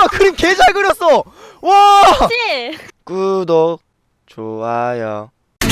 잠시만 그림 개 잘 그렸어. 와. 그치? 구독 좋아요.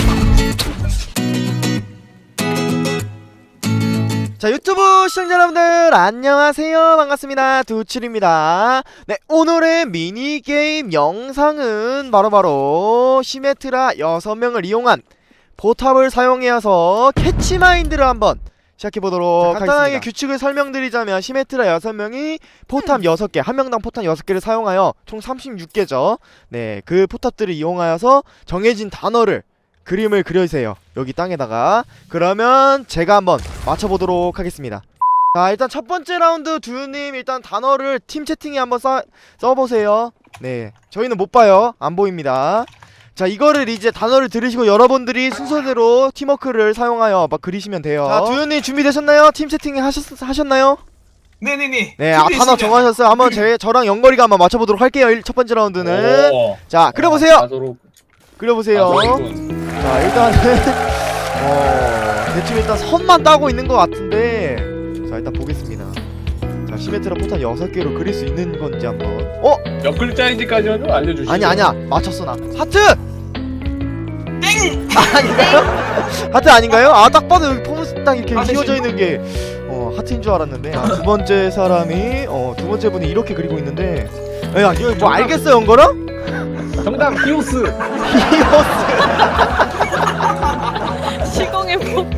자, 유튜브 시청자 여러분들 안녕하세요. 반갑습니다. 두칠입니다. 네, 오늘의 미니게임 영상은 바로 시메트라 6명을 이용한 포탑을 사용해서 캐치마인드를 한번 시작해보도록 하겠습니다. 간단하게 규칙을 설명드리자면 시메트라 6명이 포탑 6개, 한 명당 포탑 6개를 사용하여 총 36개죠. 네, 그 포탑들을 이용하여서 정해진 단어를 그림을 그려주세요. 여기 땅에다가. 그러면 제가 한번 맞춰보도록 하겠습니다. 자, 일단 첫 번째 라운드 두유님 일단 단어를 팀 채팅에 한번 써보세요. 네, 저희는 못 봐요. 안 보입니다. 자, 이거를 이제 단어를 들으시고 여러분들이 순서대로 팀워크를 사용하여 막 그리시면 돼요. 자, 두유님 준비되셨나요? 팀 채팅 하셨나요? 네네네. 네, 단어 정하셨어요. 한번 저랑 연거리가 한번 맞춰보도록 할게요. 첫 번째 라운드는. 자, 그려보세요. 그려보세요. 자, 일단은 대충 일단 선만 따고 있는 것 같은데, 자, 일단 보겠습니다. 자, 시메트라 포탄 6개로 그릴 수 있는 건지 한번. 몇 글자인지까지만 좀 알려주시죠. 아니야 맞췄어. 나 하트! 땡! 아닌가요? 하트 아닌가요? 아, 딱 봐도 여기 포문스 딱 이렇게 휘어져 있는 게 하트인 줄 알았는데. 아, 두 번째 사람이 두 번째 분이 이렇게 그리고 있는데, 야, 이거 뭐 알겠어요, 연거라? 정답 히오스. 히오스. 시공의 폭풍.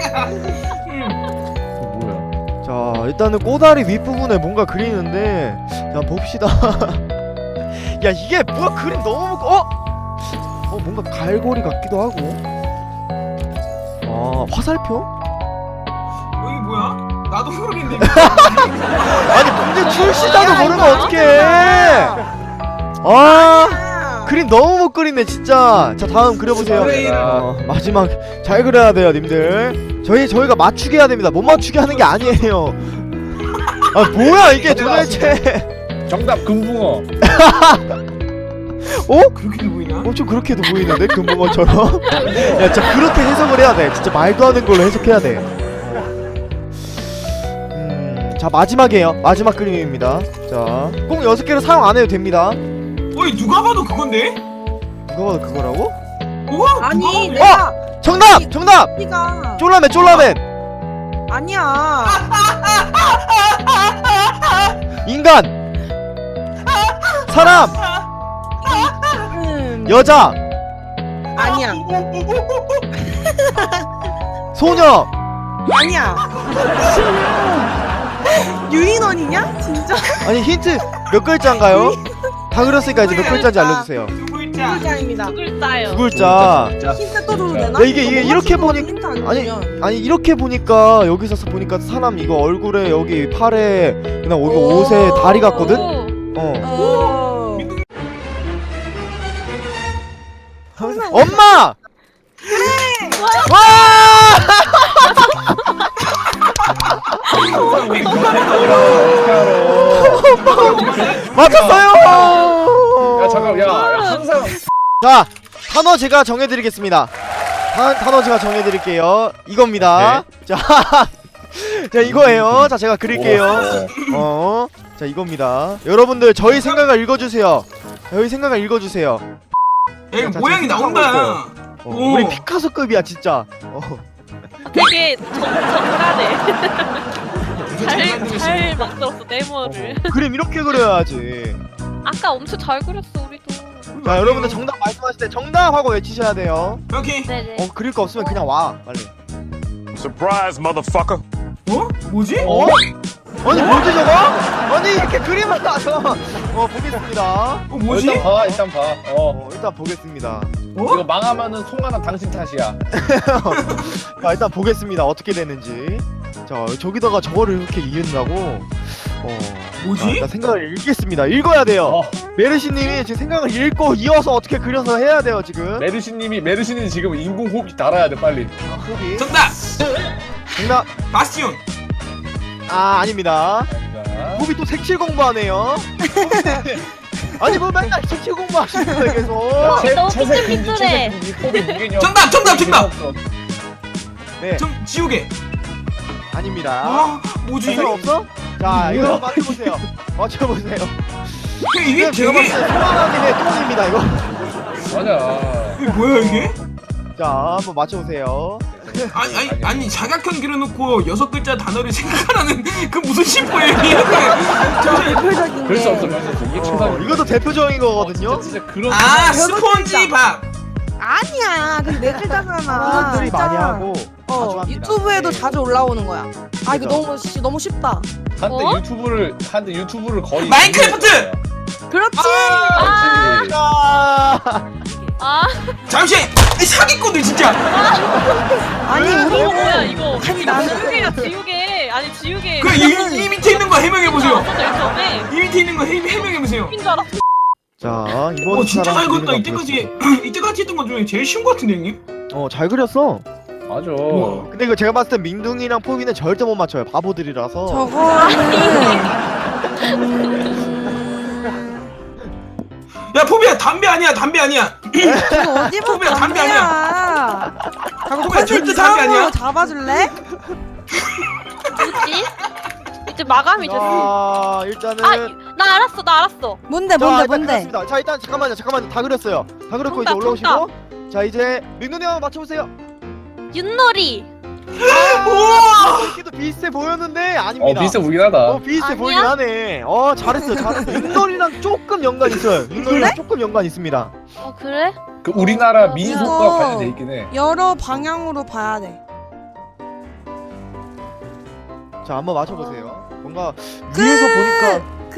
뭐야? 자, 일단은 꼬다리 윗부분에 뭔가 그리는데, 자, 봅시다. 야, 이게 뭐야? 그림 너무 뭔가 갈고리 같기도 하고. 아, 화살표? 여기 뭐야? 나도 모르겠네. 아니, 문제 출시자도 모르면 어떡해. 아, 그림 너무 못 그리네 진짜. 자, 다음 그려보세요. 마지막 잘 그려야 돼요 님들. 저희가 맞추게 해야 됩니다. 못 맞추게 하는 게 아니에요. 아, 뭐야 이게 도대체. 정답 금붕어. 그렇게도 보이나? 좀 그렇게도 보이는데 금붕어처럼. 야, 진짜 그렇게 해석을 해야 돼. 진짜 말도 안 되는 걸로 해석해야 돼. 자, 마지막이에요. 마지막 그림입니다. 자, 꼭 6개를 사용 안 해도 됩니다. 어이, 누가 봐도 그건데? 누가 봐도 그거라고? 우와, 아니 누가 봐도 내가 정답! 니가 쫄라맨! 아니야. 인간! 사람! 여자! 아니야. 소녀! 아니야. 유인원이냐? 진짜? 아니, 힌트 몇 글자인가요? 다 그렸으니까 이제 몇 글자인지 알려주세요. 두 글자. 글자입니다. 두 글자요. 두 글자. 힌트 또 줘도 되나? 야, 이게 이렇게 보니- 힌트 안 아니, 이렇게 보니까, 여기서 보니까 사람 이거 얼굴에, 여기 팔에, 그냥 여기 옷에 다리 같거든? 어. 엄마! 와! 맞췄어요! 야 잠깐 야 항상 자, 단어 제가 정해드리겠습니다. 단어 제가 정해드릴게요. 이겁니다. 자, 자, 이거예요. 자, 제가 그릴게요. 자, 이겁니다. 여러분들 저희 생각을 읽어주세요. 저희 생각을 읽어주세요. 야, 이거 자, 모양이 지금 나온다. 오. 우리 피카소급이야 진짜. 되게 정갈해. 잘 만들었어 네모를. 그림 이렇게 그려야지. 아까 엄청 잘 그렸어 우리도. 자, 여러분들 정답 말씀하실 때 정답하고 외치셔야 돼요. 오케이. 네네. 그릴 거 없으면 그냥 와 빨리. Surprise, motherfucker. 어? 뭐지? 아니, 뭐지 저거? 아니, 이렇게 그림을 나서. 보겠습니다. 뭐지? 일단 봐. 일단 보겠습니다. 이거 망하면은 송하나 당신 탓이야. 자, 일단 보겠습니다. 어떻게 되는지. 자, 저기다가 저거를 이렇게 이은다고. 뭐지? 일단 생각을 읽겠습니다. 읽어야 돼요. 메르시님이 지금 생각을 읽고 이어서 어떻게 그려서 해야 돼요 지금. 메르시님 지금 인공 호흡기 달아야 돼 빨리. 호흡이. 정답! 정답. 바스티온! 아닙니다. 자, 호흡이 또 색칠 공부하네요. 아니, 뭐 맨날 색칠 공부하시는 거예요 계속. 너무 채색 금지 삐뚤삐뚤해. 채색 금지 호흡이 무개념. 정답! 네, 지우개! 아닙니다. 아, 뭐지? 사람 없어? 자, 이거 맞춰보세요. 맞춰보세요. 이게 제가 되게 봤을 때 소환하님의 똥입니다 이거. 맞아. 이게 뭐야 이게? 자 한번 맞춰보세요. 아니 사각형 그려놓고 6글자 단어를 생각하라는 그 무슨 심보예요 이게? 대표적인 그럴 수 없어. 게. 그럴 수 없어. 이게 최선. 이것도 대표적인 거거든요. 진짜 그런. 아 여섯 스폰지밥. 아니야. 근데 네 글자잖아. 사람들이 진짜. 많이 하고 자주 합니다. 유튜브에도 네. 자주 올라오는 거야. 아 이거 그죠. 너무 쉽다. 한때 유튜브를 거의. 마인크래프트! 그렇지. 그렇지. 아, 아 잠시 이 사기꾼들 진짜. 아니 이거 우리는 뭐야 이거? 아니, 나는- 지우개야 지우개. 아니 지우개. 그 이 밑에 있는 거 해명해 보세요. 전에 이 밑에 있는 거 해명해 보세요. 인 줄 알았어. 자 이번 오 진짜 잘 사람 그렸다. 그리는 거 이때까지 했던 것 중에 제일 쉬운 것 같은데 형님? 잘 그렸어. 맞아. 근데 이거 제가 봤을 땐 민둥이랑 포비는 절대 못 맞춰요. 바보들이라서. 저거는 야 포비야 담배 아니야 담배 아니야. 저거 어디 봐 포비야, 담배 담배야. 자꾸 포비야, 컨셉 절대 담배 이상한 아니야. 걸로 잡아줄래? 뭐지? 이제 마감이 됐어. 자 일단은 나 알았어. 뭔데 자, 일단 뭔데? 그렸습니다. 자 일단 잠깐만요 다 그렸어요. 다 그렸고 이제 정답, 올라오시고 자 이제 민둥이 한번 맞춰보세요. 윷놀이. 우와. 이렇게도 비슷해 보였는데 아닙니다. 비슷해 보이긴 하다. 비슷해 아니야? 보이긴 하네. 잘했어. 윷놀이랑 조금 연관 있어요. 윷놀이랑 그래? 조금 연관 있습니다. 그래? 그 우리나라 민속과 이거- 관련돼 있긴 해. 여러 방향으로 봐야 돼. 자 한번 맞춰보세요. 뭔가 위에서 보니까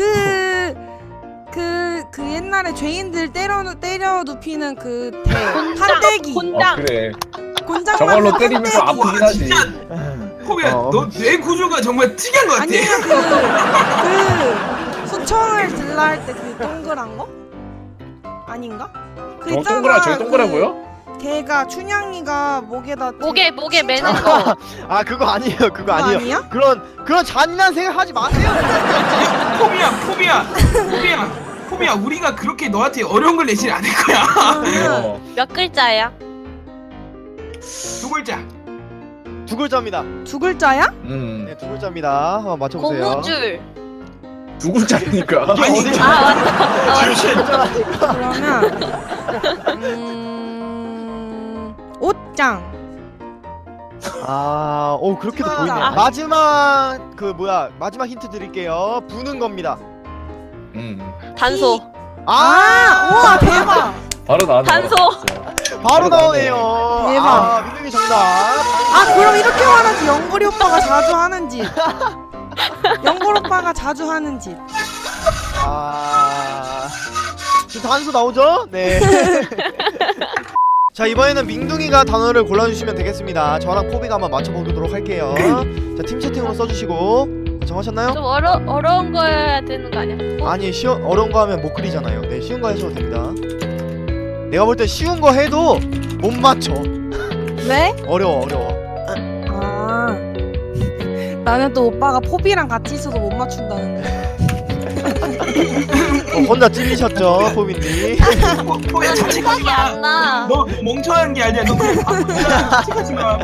그 옛날에 죄인들 때려 눕히는 그 곤장. 판때기 곤장. 그래. 곤장 저걸로 만든 때리면 좀 판때기. 아프긴 하지. 진짜 포비야 너 뇌 구조가 정말 특이한 것 같아. 아니면 그 수청을 들라 할 때 그 동그란 거? 아닌가? 그 저거 있잖아, 저기 동그라고요? 걔가 춘향이가 목에다 목에 매는 거. 그거 아니에요. 그거 그거 아니에요. 아니야? 그런 잔인한 생각 하지 마세요. 포비야 우리가 그렇게 너한테 어려운 걸 내진 않을 거야. 어. 몇 글자야? 두 글자. 두 글자입니다. 두 글자야? 네, 두 글자입니다. 한번 맞춰보세요. 고무줄. 두 글자니까. 아니 어디- 맞다. 그러면 옷장. 그렇게도 아. 보이네. 마지막 힌트 드릴게요. 부는 겁니다. 단소. 우와 대박. 바로 나왔네. 단소. 바로 나오네요. 대박. 민둥이 정답. 그럼 이렇게 말하지. 영걸이 오빠가 자주 하는 짓. 영걸 오빠가 자주 하는 짓. 지금 단수 나오죠? 네. 자 이번에는 민둥이가 단어를 골라주시면 되겠습니다. 저랑 포비가 한번 맞춰보도록 할게요. 자 팀 채팅으로 써주시고 정하셨나요? 좀 어려운 거여야 되는 거 아니야? 아니 어려운 거 하면 못 그리잖아요. 네 쉬운 거 하셔도 됩니다. 내가 볼 때 쉬운 거 해도 못 맞춰. 왜? 어려워. 나는 또 오빠가 포비랑 같이 있어서 못 맞춘다는데. 혼자 찔리셨죠 포비님. 포비야 자책하지 생각이 안 나. 너 멍청한 게 아니야. 너 그냥 바보야. 자책하지 마.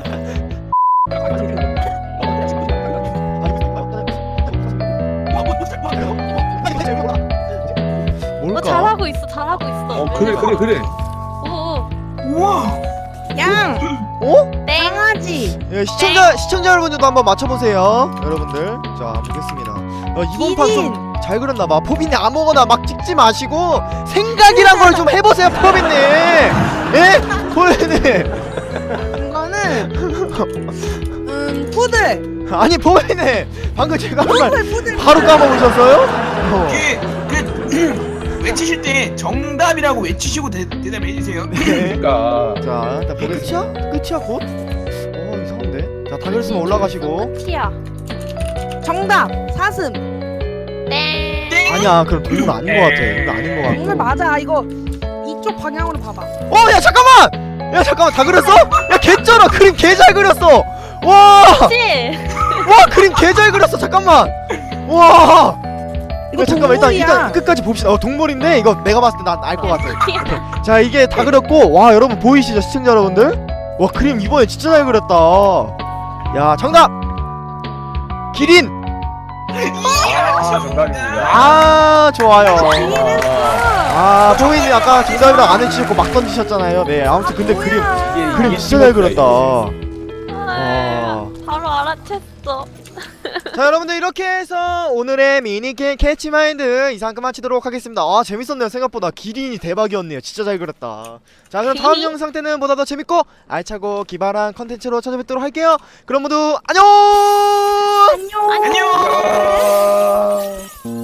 뭘까? 잘하고 있어. 그래. 오. 우와. 양. 땡. 강아지. 예, 시청자 여러분들도 한번 맞춰보세요. 여러분들 자 보겠습니다. 이번 판 좀 잘 그렸나봐. 포비님 아무거나 막 찍지 마시고 생각이란 걸 좀 해보세요 포비님. 예? 포비님. 이거는 푸들. 아니 포비님 방금 제가 한 말 푸들. 바로 까먹으셨어요? 외치실 때 정답이라고 외치시고 대답해 주세요. 네. 그러니까. 자 일단 보겠습니다. 끝이야 곧? 이상한데? 자 다 그렸으면 올라가시고. 키야. 정답. 사슴. 땡. 아니야 그럼 동물 아닌 것 같아. 이거 아닌 것 정말 같고. 맞아. 이거 이쪽 방향으로 봐봐. 야 잠깐만 다 그렸어? 야 개쩔어. 그림 개 잘 그렸어. 와 그치? 그림 개 잘 그렸어. 잠깐만. 와. 이거 잠깐만 동물이야. 일단 끝까지 봅시다. 동물인데 이거 내가 봤을 때 난 알 것 같아. 자 이게 다 그렸고 와 여러분 보이시죠 시청자 여러분들? 와 그림 이번에 진짜 잘 그렸다. 야 정답. 기린. 정답입니다. 아 좋아요. 아, 아 포인이 아까 정답이라고 안 해주셨고 막 던지셨잖아요. 네 아무튼 근데 그림 이게 진짜 잘 그렸다. 아, 바로 알아챘어. 자 여러분들 이렇게 해서 오늘의 미니게임 캐치마인드 이상 그만치도록 하겠습니다. 아 재밌었네요. 생각보다 기린이 대박이었네요. 진짜 잘 그렸다. 자 그럼 다음 영상 때는 보다 더 재밌고 알차고 기발한 컨텐츠로 찾아뵙도록 할게요. 그럼 모두 안녕. 안녕. 아.